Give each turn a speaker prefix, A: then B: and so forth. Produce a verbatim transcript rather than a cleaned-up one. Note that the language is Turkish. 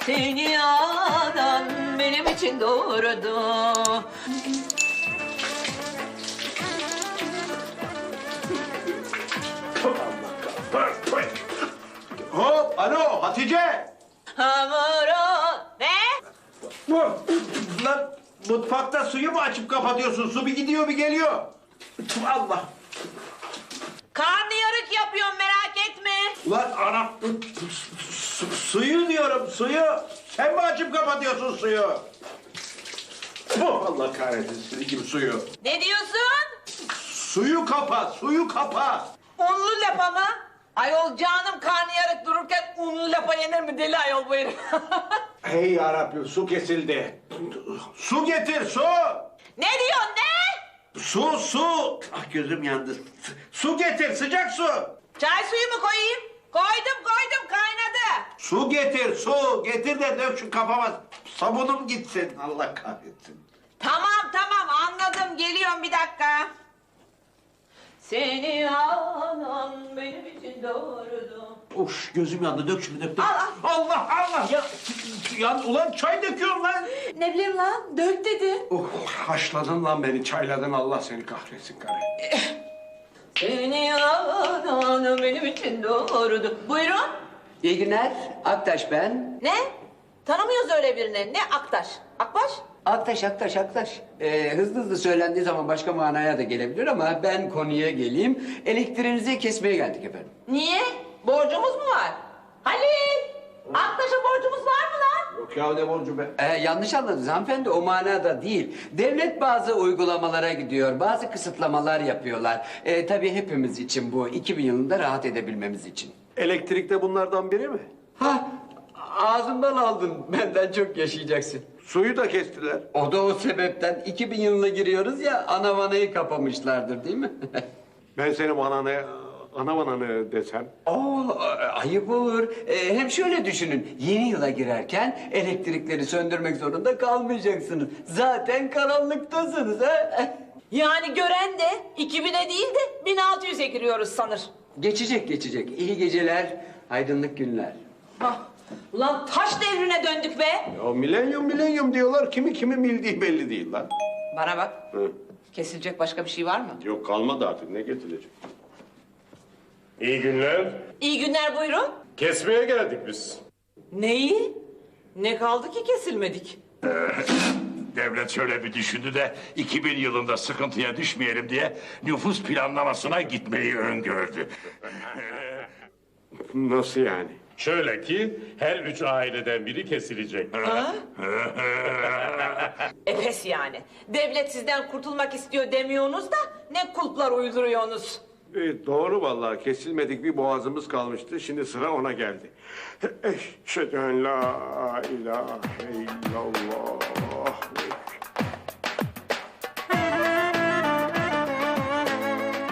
A: Seni anan benim için doğurdu.
B: Hop, alo Hatice.
A: Hamuru ne?
B: Bu, lan mutfakta suyu mu açıp kapatıyorsun? Su bir gidiyor bir geliyor. Allah.
A: Karnıyarık yapıyorum merak etme.
B: Ulan ana, su- suyu diyorum suyu. Sen mi açıp kapatıyorsun suyu? Bu Allah kahretsin senin gibi suyu.
A: Ne diyorsun?
B: Suyu kapa, suyu kapa.
A: Unlu lapa mı? Ayol canım karnıyarık dururken unlu lapa yenir mi deli ayol bu herif?
B: Hey yarabbim su kesildi. Su getir su.
A: Ne diyorsun ne?
B: Su su. Ah gözüm yandı. Su getir sıcak su.
A: Çay suyu mu koyayım? Koydum koydum kaynadı.
B: Su getir su. Getir de dök şu kafama. Sabunum gitsin. Allah kahretsin.
A: Tamam tamam anladım geliyorum bir dakika. Seni anan benim için doğurdu.
B: Of gözüm yandı. Dök şunu dök dök.
A: Al, al.
B: Allah Allah ya. Ya ulan çay döküyorum lan.
A: Ne bileyim lan dök dedi.
B: Oh, haşladın lan beni çayladın Allah seni kahretsin karı.
A: Seni anan benim için doğurdu. Buyurun.
C: İyi günler. Aktaş ben.
A: Ne? Tanımıyoruz öyle birini. Ne Aktaş? Akbaş?
C: Aktaş, Aktaş, Aktaş. Ee, hızlı hızlı söylendiği zaman başka manaya da gelebilir ama ben konuya geleyim. Elektriğinizi kesmeye geldik efendim.
A: Niye? Borcumuz mu var? Halil! Aktaş'a borcumuz var mı lan?
B: Yok ya ne borcu be.
C: Ee, yanlış anladınız hanımefendi, o manada değil. Devlet bazı uygulamalara gidiyor, bazı kısıtlamalar yapıyorlar. Ee, tabii hepimiz için bu, iki bin yılında rahat edebilmemiz için.
B: Elektrik de bunlardan biri mi?
C: Ha, ağzımdan aldın, benden çok yaşayacaksın.
B: Suyu da kestiler.
C: O da o sebepten iki bin yılına giriyoruz ya, ana vanayı kapamışlardır değil mi?
B: Ben senin ananı, ana ananı desem.
C: Oo, ayıp olur. Ee, hem şöyle düşünün, yeni yıla girerken elektrikleri söndürmek zorunda kalmayacaksınız. Zaten karanlıktasınız ha.
A: Yani gören de iki bine değil de bin altı yüze giriyoruz sanır.
C: Geçecek geçecek. İyi geceler, aydınlık günler.
A: Hah, ulan taş devrine döndük be.
B: Ya milenyum milenyum diyorlar. Kimi kimin bildiği belli değil lan.
A: Bana bak,
B: Hı.
A: kesilecek başka bir şey var mı?
B: Yok kalmadı artık ne getirecek?
D: İyi günler.
A: İyi günler buyurun.
D: Kesmeye geldik biz.
A: Neyi? Ne kaldı ki kesilmedik?
E: Devlet şöyle bir düşündü de iki bin yılında sıkıntıya düşmeyelim diye nüfus planlamasına gitmeyi öngördü.
B: Nasıl yani?
D: Şöyle ki her üç aileden biri kesilecek.
A: E pes yani. Devlet sizden kurtulmak istiyor demiyorsunuz da ne kulplar uyduruyorsunuz?
B: E, doğru vallahi kesilmedik bir boğazımız kalmıştı. Şimdi sıra ona geldi. Eşhedü en la ilahe illallah.